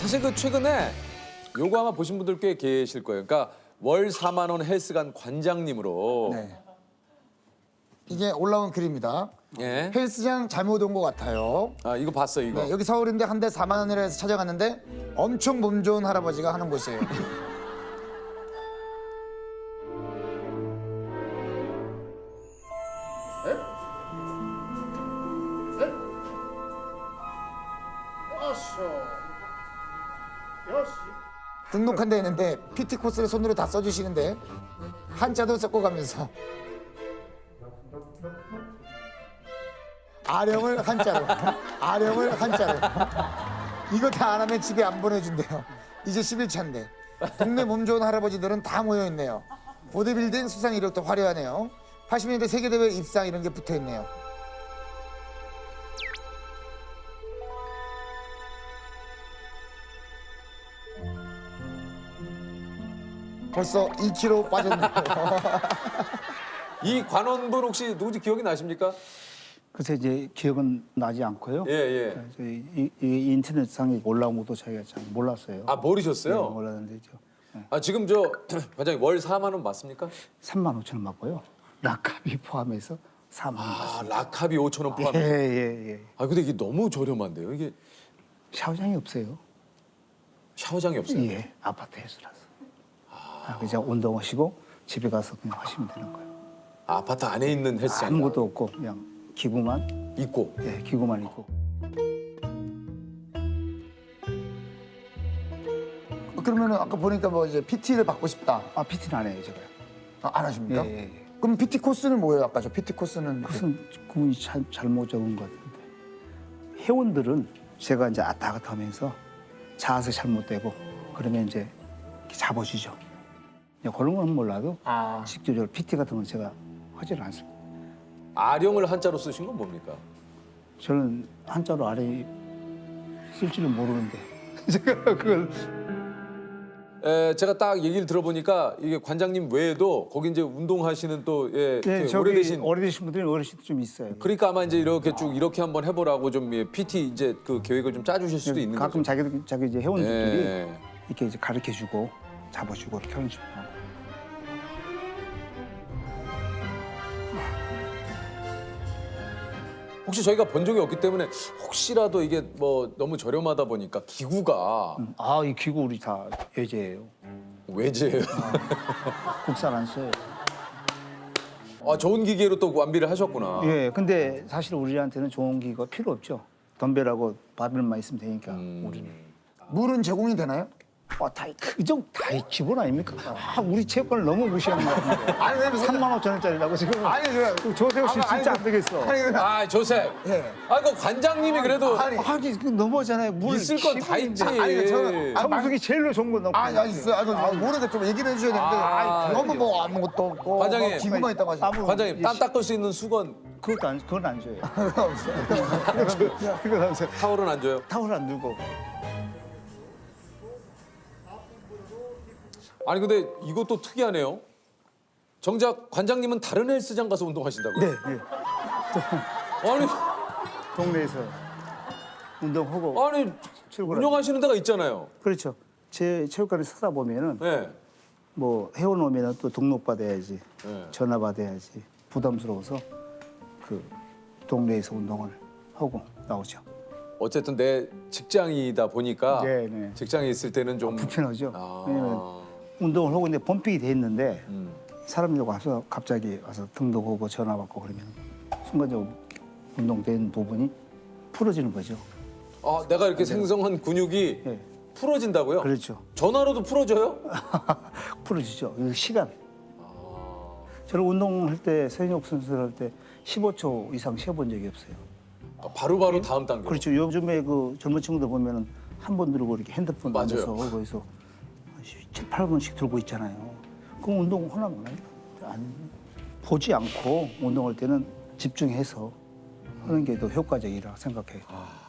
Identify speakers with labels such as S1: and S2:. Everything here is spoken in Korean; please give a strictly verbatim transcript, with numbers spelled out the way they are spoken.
S1: 사실 그 최근에 요거 아마 보신 분들 꽤 계실 거예요. 그러니까 월 사만 원 헬스관 관장님으로.
S2: 네. 이게 올라온 글입니다.
S1: 예.
S2: 헬스장 잘못 온 것 같아요.
S1: 아 이거 봤어요 이거.
S2: 네, 여기 서울인데 한 대 사만 원이라 해서 찾아갔는데 엄청 몸 좋은 할아버지가 하는 곳이에요. 등록한 데 있는데 피티 코스를 손으로 다 써주시는데 한자도 섞어가면서 아령을 한자로 아령을 한자로 이거 다 안 하면 집에 안 보내준대요. 이제 십일 차인데 동네 몸 좋은 할아버지들은 다 모여있네요. 보디빌딩 수상 이력도 화려하네요. 팔십 년대 세계대회 입상 이런 게 붙어있네요. 벌써 이 킬로그램 빠졌네요.
S1: 이 관원분 혹시 누군지 기억이 나십니까?
S3: 그래서 이제 기억은 나지 않고요.
S1: 예 예.
S3: 그래서 이, 이, 이 인터넷상에 올라온 것도 저희가 잘 몰랐어요.
S1: 아 모르셨어요?
S3: 네, 몰랐는데 저
S1: 아 지금 저 관장님 월 사만 원 맞습니까?
S3: 삼만 오천 원 맞고요. 락값이 포함해서 사만 원
S1: 아
S3: 맞습니다.
S1: 락합이 오천 원 포함.
S3: 예, 예, 예.
S1: 아 근데 이게 너무 저렴한데요. 이게
S3: 샤워장이 없어요.
S1: 샤워장이 없어요.
S3: 예, 아파트 해수라서. 아, 그냥 운동하시고 집에 가서 그냥 하시면 되는 거예요.
S1: 아, 아파트 안에 있는 헬스장
S3: 아무것도 없고 그냥 기구만,
S1: 있고.
S3: 예, 기구만 있고.
S2: 그러면은 아까 보니까 뭐 이제 피티를 받고 싶다.
S3: 아, 피티는 안 해요, 제가요.
S2: 아, 안 하십니까?
S3: 예, 예, 예.
S2: 그럼 피티 코스는 뭐예요? 아까 저 피티 코스는
S3: 무슨 구분이 잘, 잘못 적은 것 같은데 회원들은 제가 이제 왔다 갔다 하면서 자세 잘못되고 그러면 이제 이렇게 잡아주죠. 이제 그런 건 몰라도
S2: 아.
S3: 직접적으로 피티 같은 건 제가 하지는 않습니다.
S1: 아령을 한자로 쓰신 건 뭡니까?
S3: 저는 한자로 아래 쓸 줄은 모르는데 제가 그걸
S1: 에, 제가 딱 얘기를 들어보니까 이게 관장님 외에도 거기 이제 운동하시는 또 예,
S3: 예,
S1: 이렇게
S3: 저기
S1: 오래되신
S3: 오래되신 분들이 어르신도 좀 있어요.
S1: 그러니까 아마 이제 이렇게 쭉 이렇게 한번 해보라고 좀 예, 피티 이제 그 계획을 좀 짜주실 수도 있는
S3: 가끔
S1: 거죠.
S3: 자기 자기 이제 회원들끼리
S1: 예.
S3: 이렇게 이제 가르쳐주고 잡아주고 이렇게 하는 식으로 하고.
S1: 혹시 저희가 본 적이 없기 때문에 혹시라도 이게 뭐 너무 저렴하다 보니까 기구가
S3: 아, 이 기구 우리 다 예제예요.
S1: 외제예요.
S3: 국산 안 써요.
S1: 아, 좋은 기계로 또 완비를 하셨구나.
S3: 예, 근데 사실 우리한테는 좋은 기가 필요 없죠. 덤벨하고 바벨만 있으면 되니까
S1: 음.
S3: 우리는.
S2: 물은 제공이 되나요?
S3: 아, 다그정 다 기본 아닙니까? 아, 우리 체육관을 너무 무시하는 것 같은데.
S2: 아니 왜
S3: 삼만 오천 원짜리라고 지금.
S2: 아니 저
S3: 조세호 씨
S2: 아니,
S3: 진짜
S2: 아니,
S3: 안 되겠어.
S2: 아니 그
S1: 아, 조셉.
S2: 예.
S1: 아, 그 관장님이 그래도
S2: 아니,
S3: 아니 그 너무하잖아요. 물
S1: 있을 건 다 있지.
S2: 아니, 저는- 아,
S3: 정수기 제일로 좋은 건 넣고.
S2: 아니 아니 있어. 아, 그 모르니까 좀 얘기를 해주셔야 되는데
S1: 아,
S2: 너무 뭐 아무것도 없고
S1: 과장님.
S2: 뭐 기구만 있다고 하시고
S3: 아무-
S1: 관장님 땀 닦을 수 있는 수건
S3: 그것도 안 그건 안 줘요.
S2: 없어요.
S3: 그건 안 줘요.
S1: 타월은 안 줘요?
S3: 타월 안 들고.
S1: 아니 근데 이것도 특이하네요. 정작 관장님은 다른 헬스장 가서 운동하신다고요?
S3: 네, 네.
S1: 아니
S3: 동네에서 운동하고.
S1: 아니
S3: 출근하죠.
S1: 운영하시는 데가 있잖아요.
S3: 그렇죠. 제 체육관에 서다 보면은
S1: 네.
S3: 뭐 회원 오면은 또 등록 받아야지,
S1: 네.
S3: 전화 받아야지 부담스러워서 그 동네에서 운동을 하고 나오죠.
S1: 어쨌든 내 직장이다 보니까
S3: 네, 네.
S1: 직장에 있을 때는 좀
S3: 불편하죠.
S1: 아.
S3: 왜냐면 운동을 하고 있는데 펌핑이 돼 있는데
S1: 음.
S3: 사람이 와서 갑자기 와서 등록하고 전화 받고 그러면 순간적으로 운동된 부분이 풀어지는 거죠.
S1: 아, 내가 이렇게 생성한 근육이
S3: 네.
S1: 풀어진다고요?
S3: 그렇죠.
S1: 전화로도 풀어져요?
S3: 풀어지죠. 이 시간. 저는 운동할 때 서인혁 선수를 할 때 십오 초 이상 쉬어본 적이 없어요.
S1: 아, 바로바로 다음 단계.
S3: 그렇죠. 요즘에 그 젊은 친구들 보면은 한 번 들고 이렇게 핸드폰
S1: 맞아요.
S3: 앉아서 거기서 칠, 팔 분씩 들고 있잖아요. 그럼 운동 하나 몰라요? 안 보지 않고 운동할 때는 집중해서 하는 게 더 효과적이라 생각해요.
S1: 아.